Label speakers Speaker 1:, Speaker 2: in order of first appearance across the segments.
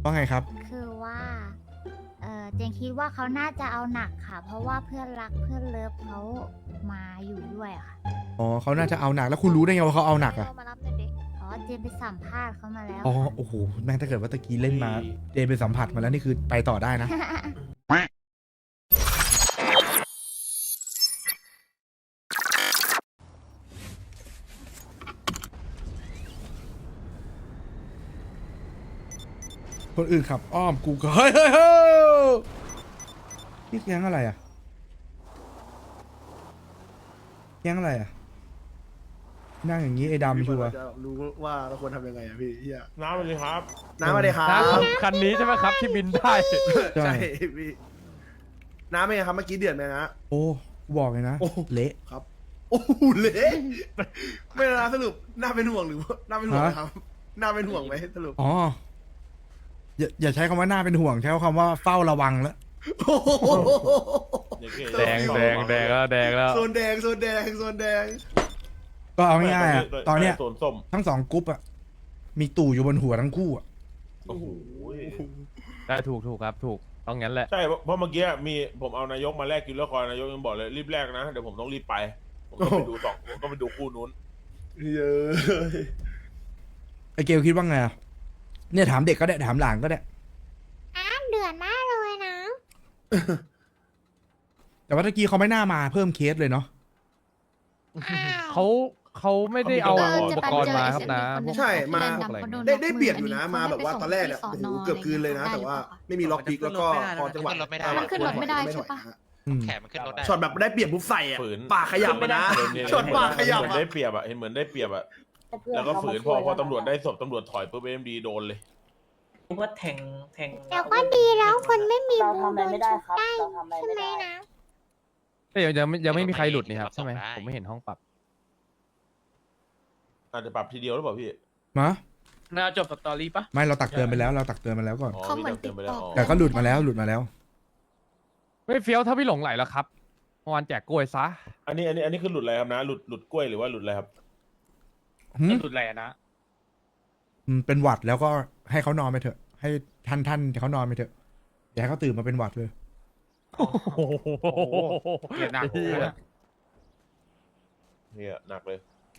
Speaker 1: ว่าไงครับ
Speaker 2: คือว่าเจนคิดว่าเขาน่าจะเอาหนักค่ะ เพราะว่าเพื่อนรักเพื่อนเลิฟเขามาอยู่ด้วยอะค่ะ
Speaker 1: อ๋อเขาน่าจะเอาหนักแล้วคุณรู้ได้ไงว่าเขาเอาหนักอ่ะ
Speaker 3: มารับหน่อยดิ
Speaker 2: อ๋อเจนไปสัมภาษณ์เขามาแล้ว
Speaker 1: อ๋อ
Speaker 2: ค่ะ
Speaker 1: โอ้โหแม่งถ้าเกิดว่าตะกี้เล่นมาเดนไปสัมผัสมาแล้วนี่คือไปต่อได้นะ คนอื่นขับอ้อมกูก็เฮ้ยเฮ้ยเฮ้ยนี่แก๊งอะไรอ่ะแก๊งอะไรอ่ะนั่งอย่างนี้ไอ้ดำชัวร์
Speaker 4: จะรู้ว่าเราควรทำยังไงอะพี่เฮีย
Speaker 5: น้ำเลยครับ
Speaker 4: น้ำมาเลยครับ
Speaker 6: คันนี้ใช่ไหมครับที่บินได้
Speaker 1: ใช่
Speaker 4: ใช่พี่น้ำเป็นไงครับเมื่อกี้เดือดไหมนะ
Speaker 1: โอ้กูบอกเลยนะ
Speaker 4: โอ้
Speaker 1: เละ
Speaker 4: ครับโอ้โหเละไม่นะสรุปน่าเป็นห่วงหรือว่าน่าเป็นห่วงไหมครับน่าเป็นห่วงไหมสรุป
Speaker 1: อ๋ออย่าใช้คำว่าน่าเป็นห่วงใช้คำว่าเฝ้าระวังแล้ว
Speaker 4: โอ้โห
Speaker 6: แดงแล้วแดงแล้ว
Speaker 4: โซนแดงโซนแดงโซนแดง
Speaker 1: ก็เอาง่ายๆอะตอนเนี้ย
Speaker 5: โซนส้ม
Speaker 1: ทั้งสองกรุ๊ปอ่ะมีตู่อยู่บนหัวทั้งคู่อ่ะ
Speaker 5: โอ้โห
Speaker 6: ได้ถูกครับถูกต้องงั้นแหละ
Speaker 5: ใช่เพราะเมื่อกี้มีผมเอานายกมาแลกกินแล้วคอยนายกยังบอกเลยรีบแลกนะเดี๋ยวผมต้องรีบไปผมก็ไปดูผมก็ไปดูคู่นู้น
Speaker 4: เยอะ
Speaker 1: ไอเกลคิดว่าไงอะเนี่ยถามเด็กก็ได้ถามหลานก็ได้
Speaker 2: เดือดมากเลยนะ
Speaker 1: แต่ว่าตะกี้เขาไม่น่ามาเพิ่มเคสเลยเนาะ
Speaker 6: เขาไม่ได้เอาอุปกรณ์มาครับนะพวก
Speaker 4: ใช่มา
Speaker 6: พวกอะไรเงี้ย
Speaker 4: ได้เปรียบอยู่นะมาแบบว่าตอนแรกเนี่ยโอ้โหเกือบคืนเลยนะ แต่ว่าไม่มีล็อกพิกแล้วก็พอจังหวะ
Speaker 2: มันขึ้นรถไม่ได้ใช่ปะ
Speaker 1: อืม
Speaker 7: แขนมันขึ้นรถได้
Speaker 4: ช็อตแบบได้เปรียบปุ๊บใส่อะ
Speaker 5: ฝืน
Speaker 4: ปากขยับไปนะ
Speaker 5: เนี่ย
Speaker 4: ช็อตปากขยับ
Speaker 5: เหมือน
Speaker 4: อะ
Speaker 5: ได้เปรียบอะเห็นเหมือนได้เปรียบอะแล้วก็ฝืนพอตำรวจได้ศพตำรวจถอยปุ๊บเอ็มดีโดนเลย
Speaker 8: ว่าแทง
Speaker 2: แต่ก็ดีแล้วคนไม่มี
Speaker 8: เรา
Speaker 2: บู
Speaker 8: ทำอะไรไม่ได้ครับ
Speaker 2: ได้
Speaker 8: เราทำอะไร
Speaker 2: ใช่
Speaker 8: ไม่
Speaker 2: ไหม
Speaker 8: ได้
Speaker 2: นะ
Speaker 6: แต่ยังไม่มีใครหลุดนี่ครับใช่ไหมผมไม่เห็นห้องปรับ
Speaker 5: อาจจะปรับทีเดียวหรือเปล่าพี่
Speaker 1: มา
Speaker 8: น่าจบสตอรี่ปะ
Speaker 1: ไม่เราตักเตือนไปแล้วเราตักเตือนมาแล้วก่อน
Speaker 5: อ๋อ
Speaker 2: เขาเหมือน
Speaker 5: พี่จำเตืไปแล้ว
Speaker 2: ติดต่อ
Speaker 5: อ๋อ
Speaker 1: แต่ก็หลุดมาแล้วหลุดมาแล้ว
Speaker 6: ไม่เฟี้ยวถ้าพี่หลงไหลแล้วครับเมื่อวานแจกกล้วยซะ
Speaker 5: อันนี้คือหลุดอะไรครับนะหลุดกล้วยหรือว่าหลุดอะไรครับ
Speaker 1: หืม
Speaker 8: สุดแหล่นะ
Speaker 1: เป็นหวัดแล้วก็ให้เขานอนไปเถอะ ให้ท่านเขานอนไปเถอะอย่าให้เขาตื่นมาเป็นหวัดเลย
Speaker 6: โอ้โห
Speaker 8: เกลียดหนัก
Speaker 5: เนี่ยหนักเลย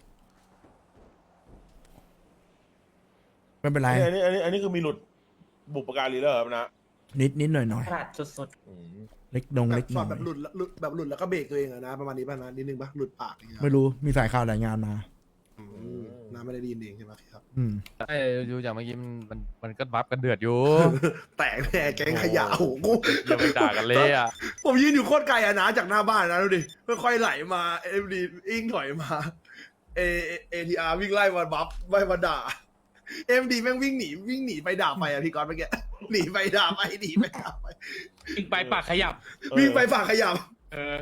Speaker 1: ไม่เป็นไร
Speaker 5: อันนี้คือมีหลุดบุปการีแล้วเหรอครับนะ
Speaker 1: นิดหน่อย
Speaker 8: ขนาดสุด
Speaker 5: อืม
Speaker 1: เล็กเล็ก
Speaker 4: ช็
Speaker 1: น้
Speaker 4: อ
Speaker 1: อ
Speaker 4: ต
Speaker 1: ย
Speaker 4: แบบหลุดแบบหลุดแล้วก็เบรกตัวเองอะนะประมาณนี้ป่ะนะนิดนึงป่ะหลุดปากอย่างเงี้ย
Speaker 1: ไม่รู้มีสายข่าวรายงานมา
Speaker 4: อืมน้าไม่ได้ดีนเองใช่ไหมครับ
Speaker 1: อืม
Speaker 6: ไอ้ดูอย่างเมื่อกี้มันก็บัฟกันเดือดอยู่
Speaker 4: แตกแน่แกงขยะโอ้โห
Speaker 6: อย่าไปด่ากันเลยอ่ะ
Speaker 4: ผมยืนอยู่โคตรไกลอะนะจากหน้าบ้านนะดูดิค่อยๆไหลมาเอ็มดีอิงถอยมาทีอาร์วิ่งไล่มาบัฟไล่มาด่าเอ็มดีแม่งวิ่งหนีไปด่าไปอะพี่ก๊อตเมื่อกี้หนีไปด่าไปหนีไปด่าไป
Speaker 8: ๆอีกไปปากขยับ
Speaker 4: วิ่งไปฝากขยับ
Speaker 8: เออ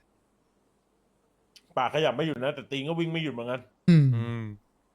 Speaker 5: ปากขยับไม่หยุดนะแต่ตีนก็วิ่งไม่หยุดเหมือนกัน
Speaker 1: อืม
Speaker 6: อืม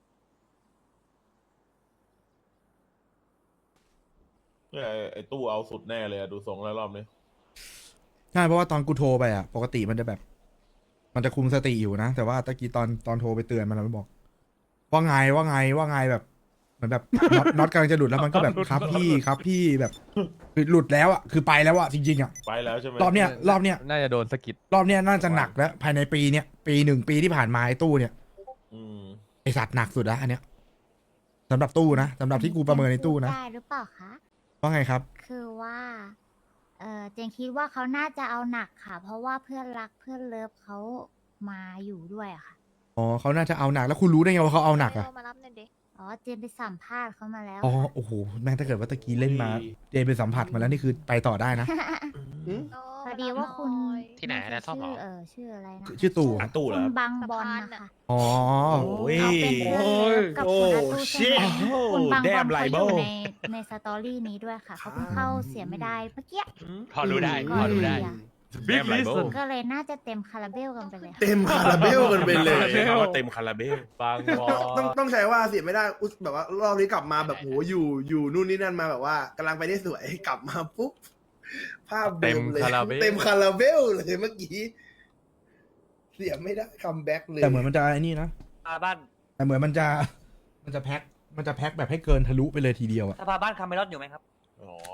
Speaker 5: เนี่ยไอ้ตู้เอาสุดแน่เลยอะดูทรงแล้วรอบนี้
Speaker 1: ใช่เพราะว่าตอนกูโทรไปอ่ะ ปกติมันจะแบบ มันจะคุมสติอยู่นะ แต่ว่าตะกี้ตอนโทรไปเตือนมันบอก ว่าไงแบบเหมือนแบบน็อตกำลังจะหลุดแล้วมันก็แบบครับพี่แบบคือหลุดแล้วอ่ะคือไปแล้วอ่ะจริงๆอ่ะ
Speaker 5: ไปแล้วใช่ไหม
Speaker 1: รอบเนี้ย
Speaker 6: น่าจะโดนสะกิด
Speaker 1: รอบเนี้ยน่าจะหนักแล้ว ภายในปีเนี้ยปีหนึ่งปีที่ผ่านมาไอ้ตู้เนี่ย
Speaker 5: อืม
Speaker 1: ไอสัตว์หนักสุดแล้วอันเนี้ยสำหรับตู้นะสำหรับที่กูประเมินในตู้นะ
Speaker 2: ได้หรือเปล่าคะ
Speaker 1: ว่าไงครับ
Speaker 2: คือว่าเจนคิดว่าเขาน่าจะเอาหนักค่ะ เพราะว่าเพื่อนรักเพื่อนเลิฟเขามาอยู่ด้วยอะค่ะ
Speaker 1: อ๋อเขาน่าจะเอาหนักแล้วคุณรู้ได้ไงว่าเขาเอาหนักอ่ะ
Speaker 3: มารับหน่อยดิ
Speaker 2: อ๋อเจนไปสัมภาษณ์เขามาแล้ว
Speaker 1: อ๋อ
Speaker 2: ค่ะ
Speaker 1: โอ้โหแม่งถ้าเกิดว่าตะกี้เล่นมาเดนไปสัมผัสมาแล้วนี่คือไปต่อได้นะ
Speaker 2: พอดีว่าคุณ
Speaker 7: ที่ไหนนะชอบเหรอ
Speaker 2: ชื่ออะไรนะ
Speaker 1: ชื่อตู่
Speaker 2: คุณ
Speaker 1: ตู้
Speaker 2: คุณบังบอลนะคะ
Speaker 1: อ๋อ
Speaker 2: เขาเป็นเพื่อนเลิฟกับคุณอาตู้ใช่ไหมคุณบังบอลเขาอยู่ในสตอรี่นี้ด้วยค่ะเขาเพิ่งเข้าเสียไม่ได้เมื่อกี้
Speaker 7: พอรู้ได้
Speaker 2: ก็
Speaker 7: พอรู้
Speaker 2: เล
Speaker 7: ได้
Speaker 2: ยอะ
Speaker 6: บิ๊กลิส
Speaker 2: ก็เลยน่าจะเต็มคาราเบลกันไปเลยค่ะ
Speaker 4: เต็มคาราเบลกันไปเลย
Speaker 5: ใช้คำว่าเต็มคาราเบล
Speaker 6: บางวอ
Speaker 4: ต้องใช้ว่าเสียไม่ได้อุ๊ยแบบว่ารอบนี้กลับมาแบบโหอยู่นู่นนี่นั่นมาแบบว่ากำลังไปได้สวยกลับมาปุ๊บภาพเดิมเลยเต็มคาราเบลเลยเมื่อกี้เสียไม่ได้คัมแบ็กเลย
Speaker 1: แต่เหมือนมันจะไอ้นี่นะ
Speaker 8: บ้าน
Speaker 1: แต่เหมือนมันจะแพ็คมันจะแพ็คแบบให้เกินทะลุไปเลยทีเดียวอะ
Speaker 3: สภาบ้านคาเมรอนอยู่ไหมครับ
Speaker 5: อ๋อ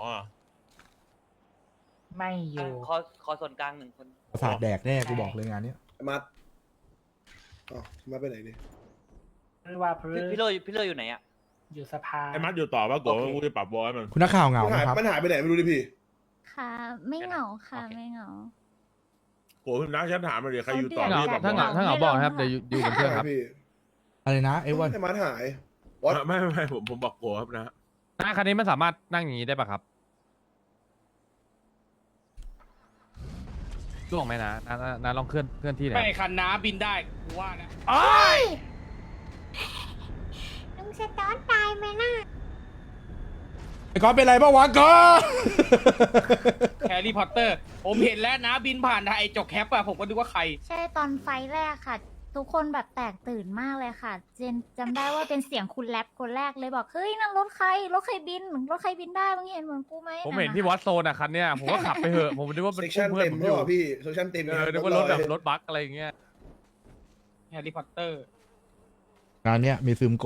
Speaker 8: ไม่อยู่
Speaker 3: ขอส่วนกลางหนึ่งคน
Speaker 1: ประสาทแดกแน่กูบอกเลยงานเนี้ย
Speaker 4: มัดอ๋อมาไปไหนดิ
Speaker 8: ไม่ว่าเพื่อ
Speaker 3: พี่โรอยู่ไหนอ่ะ
Speaker 8: อยู่สภา
Speaker 5: ไอ้มัดอยู่ต่อป่ะโก
Speaker 3: โอเค
Speaker 5: กูจะปรับบอลให้มัน
Speaker 1: คุณนักข่าวเหงา
Speaker 4: มัน
Speaker 1: ไหม
Speaker 4: หาย
Speaker 1: ครับ
Speaker 4: มันหายไปไหนไม่รู้ดิพี่
Speaker 2: ค่ะ ไม่เหงาค่ะ ไม่เหงา
Speaker 5: โกพิมพ์นะฉันถามมาเดี๋ยวใครอยู่ต่อ
Speaker 2: เขา
Speaker 5: พี่
Speaker 2: เดื
Speaker 5: จะ
Speaker 2: อ
Speaker 5: ป
Speaker 2: ด
Speaker 5: รับ
Speaker 6: ถ้า
Speaker 5: บอล
Speaker 6: เหงาถ้าเหงาบอกนะครับเดี๋ยวอยู่เป็นเพื่อนครับ
Speaker 4: พี่
Speaker 1: อะไรนะไอ้วัน
Speaker 4: ไอ้มัดหาย What?
Speaker 5: ไม่ผมบอกโกครับนะ
Speaker 6: หน้าคันนี้มันสามารถนั่งอย่างนี้ได้ปะครับล่วงไหมนะนาลองเคลื่อนที่หน่
Speaker 8: ไม่
Speaker 6: อย
Speaker 8: คันน้าบินได้กูว่านะ
Speaker 2: ลุงสตอร์ตายไหมน่ะ
Speaker 1: ไอ้ก๊อฟเป็นไรบ้างวะก๊อฟ
Speaker 8: แฮร์รี่พอตเตอร์ ผมเห็นแล้วนะบินผ่านทางไอ้จกแคปอะผมก็นึกว่าใคร
Speaker 2: ใช่ตอนไฟล์แรกค่ะ ทุกคนแบบแตกตื่นมากเลยค่ะ เจนจำได้ว่าเป็นเสียงคุณแรปคนแรกเลยบอกเฮ้ยนั่นรถใครบินได้มึงเห็นเหมือนกูไหม
Speaker 6: ผมเห็นที่วอตโซนอะคันเนี้ยผมก็ขับไปเหอะผมนึกว่าเป็น
Speaker 4: เซ็กชัน
Speaker 6: เพื่อน
Speaker 4: เต็ม
Speaker 6: ผม
Speaker 4: ใช่
Speaker 6: อยู่
Speaker 4: ป่ะพี่เซ็กชันเต็ม
Speaker 6: นึกว่ารถแบบรถบัสอะไรอย่างเงี้ย
Speaker 8: แฮร์รี่พอตเตอร์
Speaker 1: งานเนี้ยมีซึมโก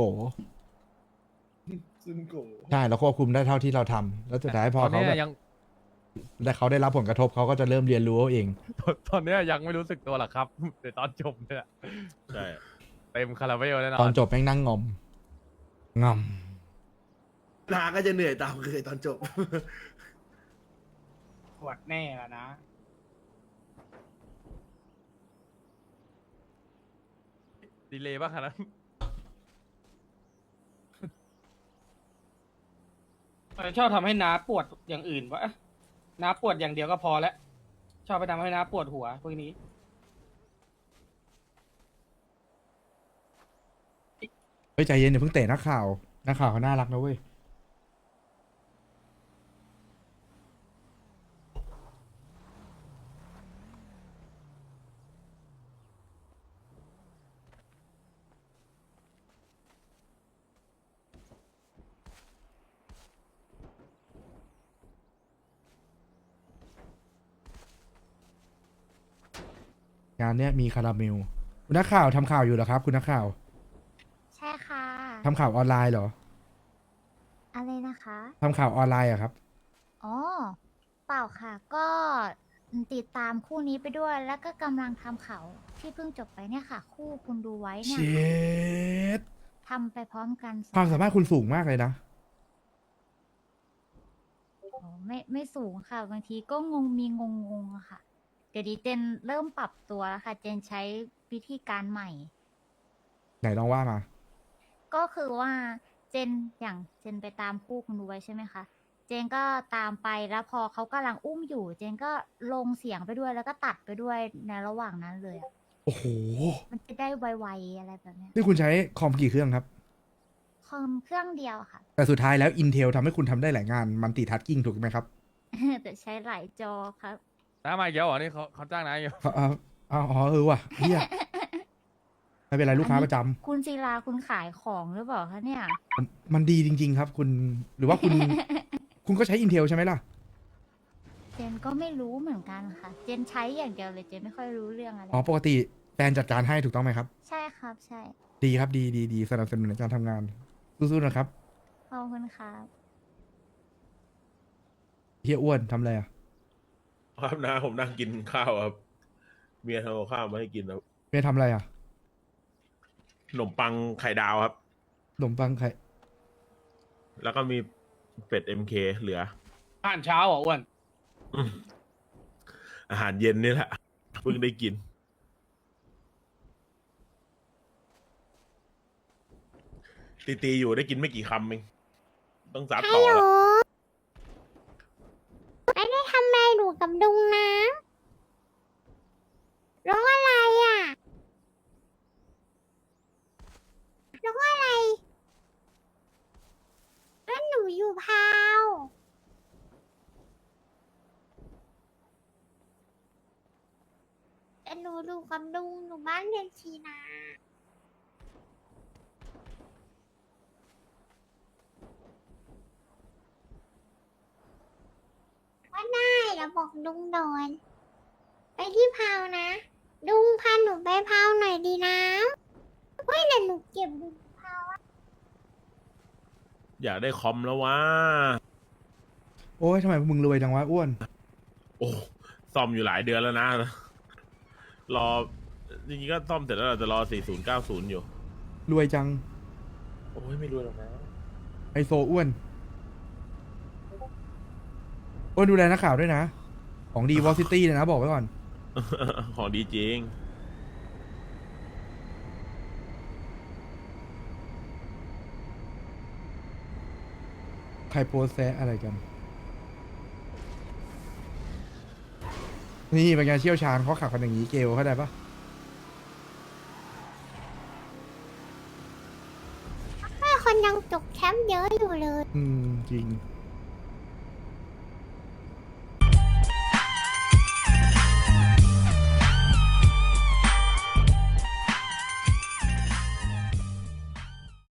Speaker 4: ซึมโก
Speaker 1: ใช่เราควบคุมได้เท่าที่เราทำแล้วสุดท้ายพอ
Speaker 6: ตอน
Speaker 1: เขา
Speaker 6: เนี้
Speaker 1: แบ
Speaker 6: ย
Speaker 1: บ
Speaker 6: ยัง
Speaker 1: แต่เขาได้รับผลกระทบเขาก็จะเริ่มเรียนรู้เอาเอง
Speaker 6: ตอนเนี้ยยังไม่รู้สึกตัวหรอกครับแต่ตอนจบเนี่ย
Speaker 5: ใช่
Speaker 6: เต็มคาราเบลแน่น
Speaker 1: ต
Speaker 6: อ
Speaker 1: อน
Speaker 6: น
Speaker 1: จบแม่งนั่งงอมงอม
Speaker 4: นาก็จะเหนื่อยตามเคยตอนจบ
Speaker 8: ปวดแน่ละนะ
Speaker 6: ดีเลยป่ะคันนั้น
Speaker 8: ชอบทำให้น้าปวดอย่างอื่นวะน้าปวดอย่างเดียวก็พอแล้ว ชอบไปทำให้น้าปวดหัวพวกนี้
Speaker 1: เฮ้ยใจเย็นอย่าเพิ่งเตะนักข่าวเขาน่ารักนะเว้ย งานเนี้ยมีคาราเมลคุณนักข่าวทำข่าวอยู่เหรอครับ คุณนักข่าว
Speaker 2: ใช่ค่ะ
Speaker 1: ทำข่าวออนไลน์เหรอ
Speaker 2: อะไรนะคะ
Speaker 1: ทำข่าวออนไลน์อะครับ
Speaker 2: อ๋อ เปล่าค่ะ ก็ติดตามคู่นี้ไปด้วย แล้วก็กำลังทำข่าวที่เพิ่งจบไปเนี่ยค่ะ คู่คุณดูไว้
Speaker 1: เช
Speaker 2: เนี่ย
Speaker 1: ด
Speaker 2: ทำไปพร้อมกันสอง
Speaker 1: ความสามารถคุณสูงมากเลยนะ
Speaker 2: โอ้ไม่สูงค่ะ บางทีก็งงอะค่ะ เดี๋ยวนี้เจนเริ่มปรับตัวแล้วค่ะ เจนใช้วิธีการใหม่
Speaker 1: ไหนลองว่ามา
Speaker 2: ก็คือว่าเจนอย่างเจนไปตามคู่คุณดูไว้ใช่ไหมคะ เจนก็ตามไปแล้วพอเขากำลังอุ้มอยู่ เจนก็ลงเสียงไปด้วยแล้วก็ตัดไปด้วยในระหว่างนั้นเลยอะ
Speaker 1: โอ้โห
Speaker 2: มันจะได้ไวๆอะไรแบบเนี้ย
Speaker 1: นี่คุณใช้คอมกี่เครื่องครับ
Speaker 2: คอมเครื่องเดียวค่ะ
Speaker 1: แต่สุดท้ายแล้ว Intel ทำให้คุณทำได้หลายงานมันติทัชกิ้งถูกไหมครับ
Speaker 2: แต่ใช้หลายจอครับ
Speaker 6: น้ามาอีกแล้วเหรอนี่เขาจ้างน้าอยู่
Speaker 1: อ๋อว่ะเฮียไม่เป็นไรลูกค้าประจำ
Speaker 2: คุณศิลาคุณขายของหรือเปล่าคะเนี่ย
Speaker 1: มันดีจริง ๆ ครับ คุณหรือว่าคุณ คุณก็ใช้ Intel ใช่ไหมล่ะ
Speaker 2: เจนก็ไม่รู้เหมือนกันค่ะ เจนใช้อย่างเดียวเลย เจนไม่ค่อยรู้เรื่องอะไร
Speaker 1: อ๋อปกติแฟนจัดการให้ถูกต้องไหมครับ
Speaker 2: ใช่ครับ ใช่
Speaker 1: ดีครับดีสนับสนุนในการทำงานสู้ๆนะครับ
Speaker 2: ขอบคุณครับ
Speaker 1: เฮียอ้วนทำอะไรอ่ะ
Speaker 5: ครับนะผมนั่งกินข้าวครับ เมียทำกับข้าวมาให้กินครับ
Speaker 1: เมียทำอะไรอ่ะ
Speaker 5: ขนมปังไข่ดาวครับ
Speaker 1: ขนมปังไข่
Speaker 5: แล้วก็มีเป็ด MK เหลือ
Speaker 8: อาหารเช้าเหรออ้วน
Speaker 5: อืมอาหารเย็นนี่แหละเพิ่งได้กิน ตีอยู่ได้กินไม่กี่คำเองต้องซัดต่อแล้ว
Speaker 2: ไม่ได้ทำอะไรหนูกับดุงนะร้องอะไรอ่ะร้องอะไรแล้วหนูอยู่พาวแต่หนูดูกับดุงหนูบ้านเรียนชีนาว่าได้แล้วบอกดุงโดนไปที่พาวนะ ดุงพาหนูไปพาวหน่อยดีนะเฮ้ยเดี๋ยวหนูเก็บดุงพาวอะ
Speaker 5: อยากได้คอมแล้ววะ
Speaker 1: โอ้ยทำไมพวกมึงรวยจังวะอ้วน
Speaker 5: โอ้ซ่อมอยู่หลายเดือนแล้วนะ รอจริงๆก็ซ่อมเสร็จแล้วเราจะรอ 4090 อยู่
Speaker 1: รวยจัง
Speaker 5: โอ้ยไม่รู้หรอกนะ
Speaker 1: ไอโซอ้วนอ้วนดูแลนักข่าวด้วยนะ ของดีวอลซิตี้เลยนะบอกไว้ก่อน
Speaker 5: ของดีจริง
Speaker 1: ใครโพสแซะอะไรกัน นี่เป็นไงเชี่ยวชาญเขาขับกันอย่างนี้เกลเข้าใจปะ
Speaker 2: คนยังจกแคมป์เยอะอยู่เลย
Speaker 1: จริง